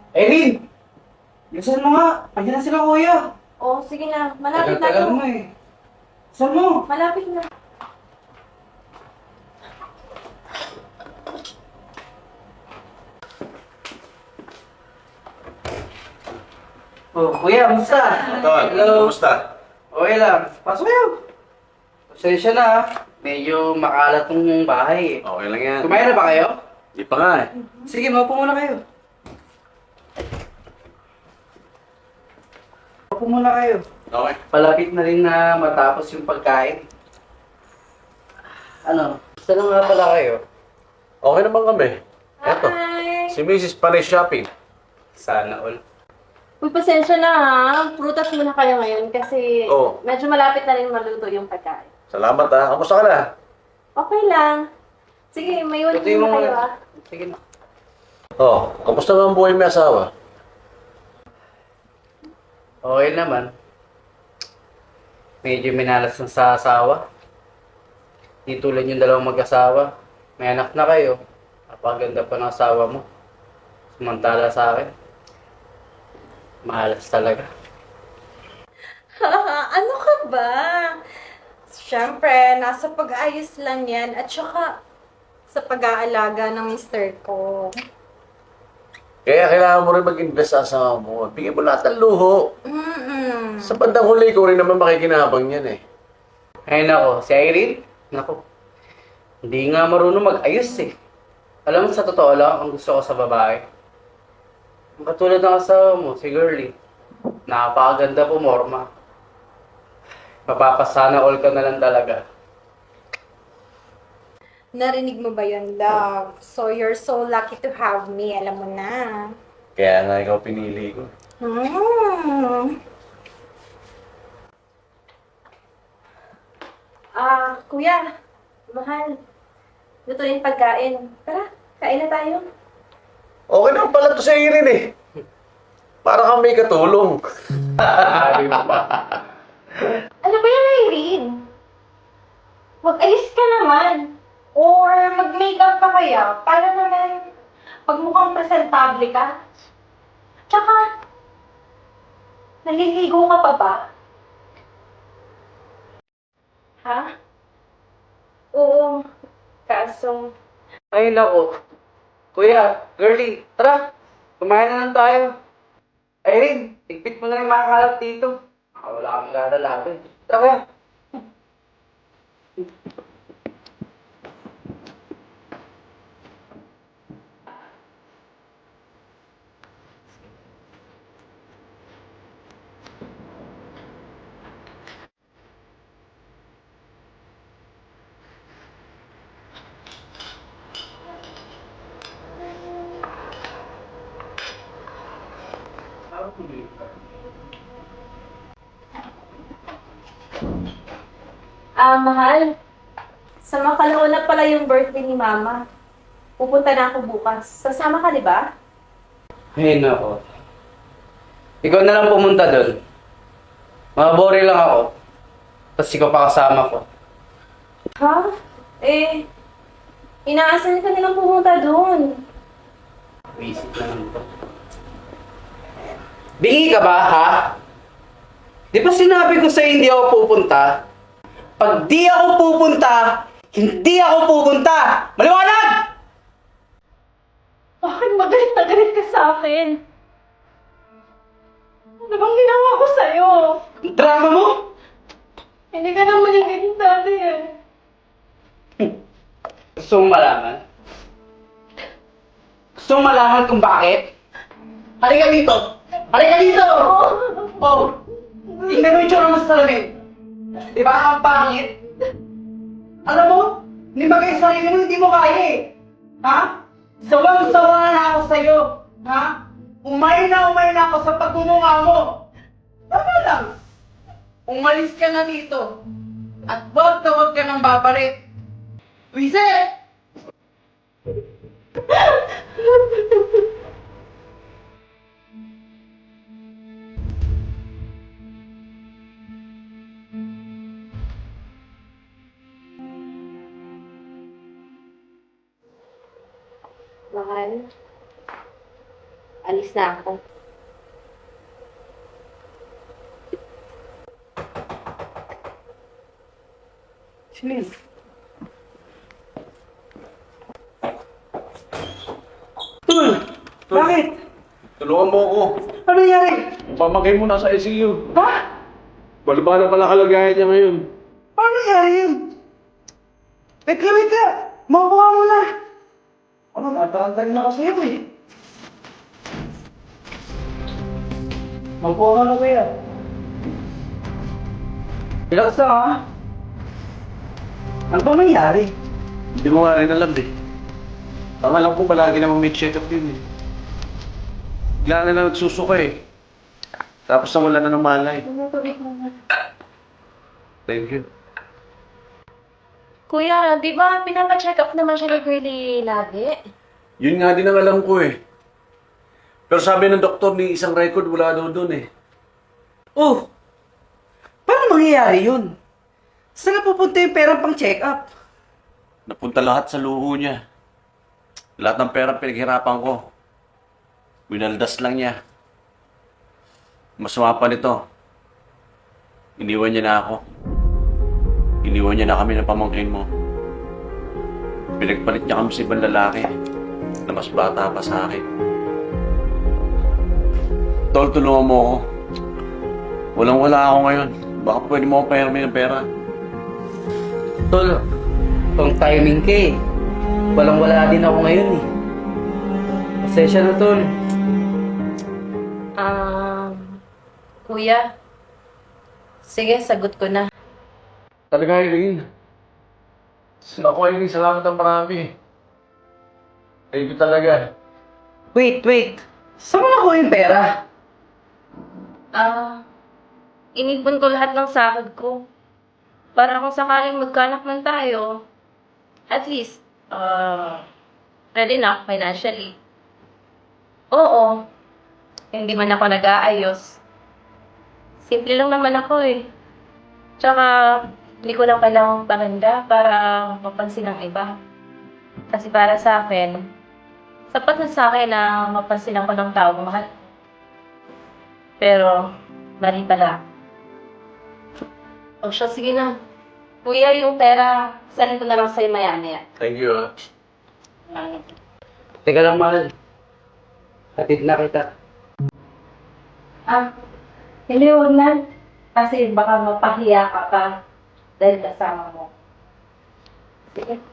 Erin! Bilisan mo nga! Andiyan na sila kuya! Oh, sige na. Malapit na Tagal-tagal to. mo eh. Bilisan mo! Malapit na. Oh, kuya, kamusta? Tol, Hello. kumusta? Okay lang. Pasok kayo. Pasensya na ah. Medyo makalat tong bahay eh. Okay lang yan. Kumain na ba kayo? Di pa nga eh. Sige, maupo muna kayo. Maupo muna kayo. Okay. Palapit na rin na matapos yung pagkain. Ano? Gusto lang nga pala kayo. Okay naman kami. Eto, Hi! si Mrs. Panay Shopping. Sana all. Uy, pasensya na ha. Prutas muna kayo ngayon kasi Oo. medyo malapit na rin maluto yung pagkain. Salamat ha. Kamusta ka na? Okay lang. Sige, may iwan Ito yung muna kayo ha. Sige na. Oh, kamusta nga ang buhay may asawa? Okay naman. Medyo minalas na sa asawa. Di tulad yung dalawang mag-asawa. May anak na kayo. Napaganda pa ng asawa mo. Samantala sa akin. Malas talaga. Ano ka ba? Siyempre, nasa pag-ayos lang yan at saka sa pag-aalaga ng mister ko. Kaya kailangan mo rin mag-invest sa asawa mo. Bigyan mo lahat ng luho. Mm-mm. Sa bandang huli, ikaw rin naman makikinabang yan eh. Ay nako, si Irene, nako. Hindi nga marunong mag-ayos eh. Alam mo, sa totoo lang, ang gusto ko sa babae. Ang katulad ng asawa mo, si Girlie. Napakaganda po, Morma. Mapapasana all ka na lang talaga. Narinig mo ba yun, love? So, you're so lucky to have me. Alam mo na. Kaya nga ikaw pinili ko. Kuya. Mahal. Luto yung pagkain. Tara, kain na tayo. Okay naman pala to sa Irene eh. Para kang may katulong. Sabi mo pa. Ano ba yan, Irene? Mag-ayos ka naman. Or mag-makeup pa kaya para naman pagmukhang presentable ka. Tsaka, naliligo ka pa ba? Ha? Oo. Kaso, Ay nako. Kuya, Girlie, tara. Kumain na lang tayo. Irene, tigpit mo na yung mga kalat dito. Wala kang galalapin. Tara kuya. mahal. Sa makalaon na pala yung birthday ni Mama. Pupunta na ako bukas. Sasama ka, di ba? Ay nako. Ikaw na lang pumunta doon. Mabore lang ako. Tapos ikaw pa kasama ko. Ha? Inaasahan ka nilang pumunta doon. Visit na lang to. Bingi ka ba, ha? Di ba sinabi ko sa'yo hindi ako pupunta? Pag di ako pupunta, hindi ako pupunta! Maliwanag! Bakit magalit na galit ka sa akin? Ano bang ginawa ko sa'yo? Ang drama mo! Hindi ka naman yung ganyan dati eh. Gusto mong malaman? Gusto mong malaman kung bakit? Halika dito! Halika dito! Oh! Tingnan mo yung tsura mo sa salamin. Di ba ang pangit? Alam mo, hindi ba kayo sarili mo hindi mo kaya eh? Ha? Sawang-sawa na ako sa'yo. Ha? Umay na ako sa pagmumunga mo. Tama lang. Umalis ka na dito. At huwag ka nang babalik. Wiset! Mahal. Alis na ako. Sino yun? Tol! Bakit? Tulungan mo ako. Ano nangyari? Pamagay mo nasa ICU. Ha? Balba na pala kalagayan niya ngayon. Ano nangyari yun? Teka, wait ka! Makuha mo na! Ano, natarantag na kasi yun eh. Makuha ka na kuya. Relax na ha? Ano ba nangyari? Hindi mo nga rin alam eh. Ang alam ko palagi naman may check-up yun eh. Bigla na lang nagsusuka eh. Tapos nawala na ng malay. Thank you. Kuya, di ba pinapacheck up naman siya ni Girlie lagi? Yun nga din ang alam ko eh. Pero sabi ng doktor, ni isang record wala daw dun eh. Oh! Paano mangyayari yun? Saan na pupunta yung perang pang check-up? Napunta lahat sa luho niya. Lahat ng pera pinaghirapan ko. Winaldas lang niya. Masama pa nito. Iniwan niya na ako. Iniwan niya na kami ng pamangkin mo. Pinagpalit niya kami sa ibang lalaki na mas bata pa sa akin. Tol, tulungan mo ako. Walang-wala ako ngayon. Baka pwede mo akong pahirami ng pera. Tol, pang timing ka eh. Walang-wala din ako ngayon eh. Pasensya na, Tol. Kuya. Sige, sagot ko na. Talaga, Eileen. Ako, Eileen, salamat ang marami. Thank you talaga. Wait. Saan mo nakuha yung pera? Inipon ko lahat ng sahod ko. Para kung sakaling magkanak man tayo, at least, ready na ako financially. Oo, hindi man ako nag-aayos. Simple lang naman ako eh. Tsaka, hindi ko lang kailangang paganda para mapansin ng iba. Kasi para sa akin, sapat na sa akin na mapansin ako ng tao mahal. Pero, mali pala. O siya, sige na. Kuya, yung pera, saan ko na lang sa'yo maya-maya. Thank you, ah. Teka lang, mahal. Hatid na kita. Hindi, huwag na. Kasi baka mapahiya ka pa dahil kasama mo. Sige.